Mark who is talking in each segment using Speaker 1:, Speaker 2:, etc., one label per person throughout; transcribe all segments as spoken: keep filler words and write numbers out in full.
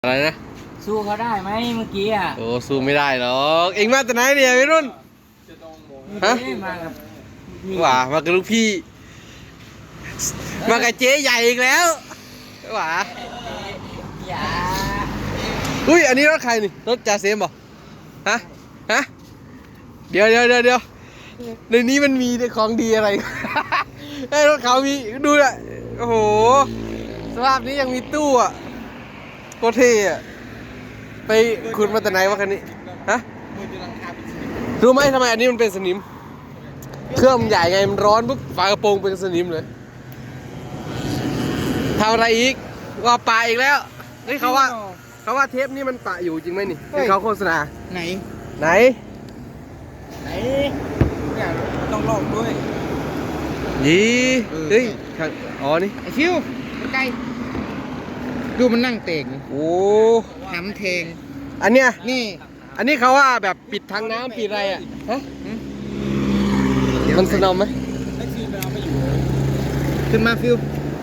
Speaker 1: อะไรนะ
Speaker 2: สู้เขาได้ไหมเมื่อกี้อ่ะ
Speaker 1: โอ้สู้ไม่ได้หรอกเอ็งมาแต่ไหนเนี่ยพี่รุ่นฮะ
Speaker 2: มากับ
Speaker 1: หว่ามากับลูกพี่มากับเจ๊ใหญ่อีกแล้วหว่า
Speaker 2: อย่า
Speaker 1: อุ้ยอันนี้รถใครนี่รถจ่าเซมบ่ฮะฮะเดี๋ยวเดี๋ยวเดี๋ยวเดี๋ยวในนี้มันมีของดีอะไรไอ้รถเขามีดูอ่ะโอ้โหสภาพนี้ยังมีตู้อ่ะโคตรเท่อะไปขุดมาแต่ไหนวะคันนี้ฮะรู้ไหมทำไมอันนี้มันเป็นสนิมเครื่องมันใหญ่ไงมันร้อนปุ๊บฝากระโปรงเป็นสนิมเลยทำอะไรอีกว่าปะอีกแล้วนี่เขาว่าเขาว่าเทปนี่มันปะอยู่จริงไหมนี่ที่เขาโฆษณา
Speaker 2: ไหน
Speaker 1: ไหน
Speaker 2: ไหนเนี่ยต้องลองด้วย
Speaker 1: ยี่เฮ้ยอ๋อนี่
Speaker 2: ไอฟิวใกล้ดูมันนั่งเต่ง
Speaker 1: โอ้
Speaker 2: น้ำเทง
Speaker 1: อันเนี้ย
Speaker 2: นี่
Speaker 1: อันนี้เขาว่าแบบปิดทางน้ำปิดอะไรอ่ะฮะมันสนอมไหม
Speaker 2: ขึ้นมาฟิว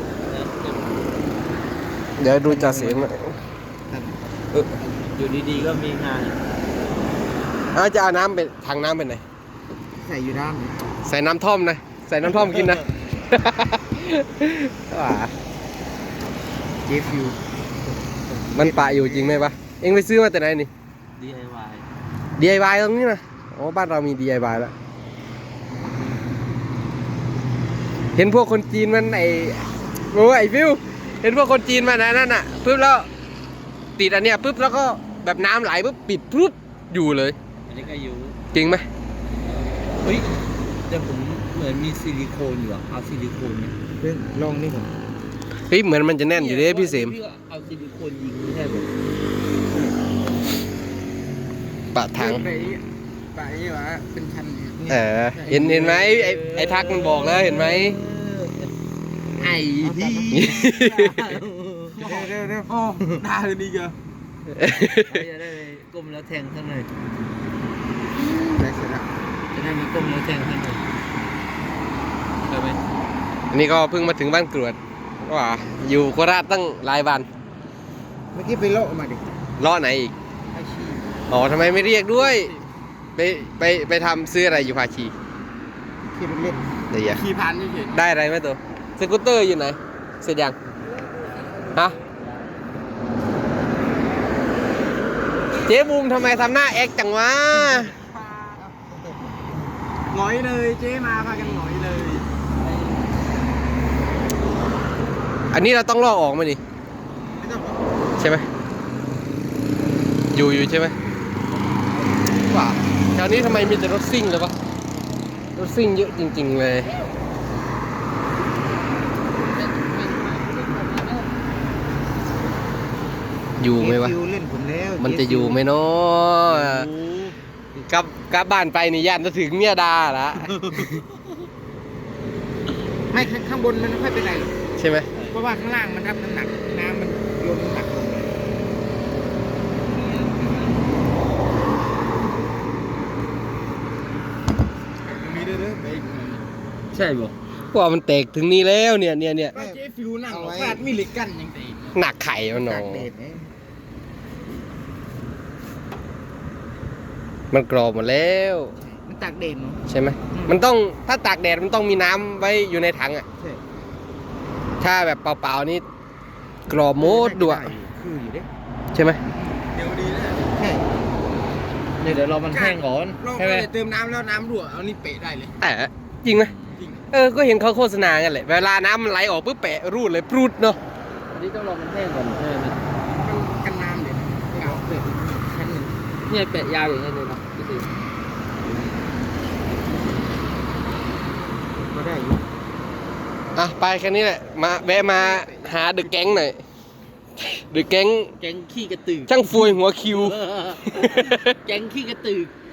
Speaker 1: เดี๋ยวดูจ่าเสียงหน่อย
Speaker 2: อยู่ดีๆก็มีงาน
Speaker 1: อาจะเอาน้ำไปทางน้ำไปไหน
Speaker 2: ใส่อยู่ด้าน
Speaker 1: ใส่น้ำท่อมนะใส่น้ำท่อมกินนะว้า
Speaker 2: เจฟิว
Speaker 1: มันปะอยู่จริงไหมปะเอ็งไปซื้อมาแต่ไหนนี่
Speaker 2: ดี ไอ วาย
Speaker 1: ดี ไอ วาย ตรงนี้นะอ๋อบ้านเรามี ดี ไอ วาย แล้วเห็นพวกคนจีนมันไอโอ้ไอฟิวเห็นพวกคนจีนมันนั่นน่ะปุ๊บแล้วติดอันเนี้ยปุ๊บแล้วก็แบบน้ำไหลปุ๊บปิดปุ๊บอยู่เลย
Speaker 2: อันนี้ก็อยู่
Speaker 1: จริงไหม
Speaker 2: เฮ้ยแต่ผมเหมือนมีซิลิโคนอยู่อะเอาซิลิโคนเนี่ยเพิ่งลองนี่ผม
Speaker 1: เฮ้ยเหมือนมันจะแน่นอยู่เลยพี่เสม
Speaker 2: เอาซิลิโคนยิงไม่ใช่ผม
Speaker 1: ปะถัง
Speaker 2: ไปไปนี่วะเป็นชั้น
Speaker 1: เออเห็นเห็นไหมไอ้ไอ้ทักมันบอกแล้วเห็นไหม
Speaker 2: ไอ้พี่เร็วเร็วโอ้ด่าเลยนี่เกอจะได้ก้มแล้วแทงข้างในได้เสร็จแล้วจะได้มีก้มแล้วแทงข้างในได้ไหม
Speaker 1: อันนี้ก็เพิ่งมาถึงบ้านกรวดว่าอยู่โคราชตั้งหลายวัน
Speaker 2: เมื่อกี้ไปเลาะมาดิ
Speaker 1: เลาะไหนอีกอ๋อทำไมไม่เรียกด้วยไปไปไปทำซื้ออะไรอยู่ภาชี
Speaker 2: ขี่รถเล่น
Speaker 1: เดี๋ยว
Speaker 2: ขี่ผ่านเฉย
Speaker 1: ได้อะไรไหมตัวสกูตเตอร์อยู่ไหนเสร็จยังฮะเจ๊บูมทำไมทำหน้าแอคจังวะ
Speaker 2: หงอยเลยเจ๊มาพากันหงอยเลย
Speaker 1: อันนี้เราต้องลอกออกไหมนี่ใช่ไหมอยู่อยู่ใช่ไหมว่าแถวนี้ทำไมมีแต่รถซิ่งเลยปะรถซิ่งเยอะจริงๆเลยอยู่ไหมวะมันจะอยู่ไหมเนาะกลับกลับบ้านไปนี่ย่านจะถึงเมียดาละ
Speaker 2: ไม่ข้างบนมันไม่ค่อยเป็นไร
Speaker 1: ใช่ไหม
Speaker 2: เพราะว่าข้างล่างมันรับน้ำหนักน้ำมันโยนน้ำหนักลงมีเด้อเด้อใช่บ่
Speaker 1: ว่ามันแตกถึงนี้แล้วเนี่ยเนี่ยเนี่ย
Speaker 2: เจ๊ฟิวนั่งฟาดมีเหล็กกั้นยังไง
Speaker 1: หนักไข่มันหนอมันกรอบหมดแล้ว
Speaker 2: มันตากแดดเนาะ
Speaker 1: ใช่ไหมมันต้องถ้าตากแดดมันต้องมีน้ำไว้อยู่ในถังอ่ะถ้าแบบเปล่าๆนี่กรอบโมดด้วยใช่ไหม
Speaker 2: เดี๋ยวดีนะใช่เดี๋ยวเรามันแห้งก่อนใช่ไหมเติมน้ำแล้วน้ำรั่วเอานี่เปะได้เลย
Speaker 1: แต่จริงไหมเออก็เห็นเขาโฆษณากันแหละเวลาน้ำมันไหลออกปุ๊บแปะรูดเลยปรุดเนาะ
Speaker 2: อันนี้ต้องรอมันแห้งก่อนใช่ไหมกันน้ำเดี๋ยวเก่าเปะชั้นหนึ่งเนี่ยแปะยาวอย่างนี้เลยเนาะพี่ตีก็ได้อยู่
Speaker 1: อ่ะไปแค่นี้แหละมาแวะมาหาเดอะแก๊งหน่อยเดอะแก๊ง
Speaker 2: แก๊งขี้กระตือ
Speaker 1: ช่างฟวยหัวคิว
Speaker 2: แก๊งขี้กระตือ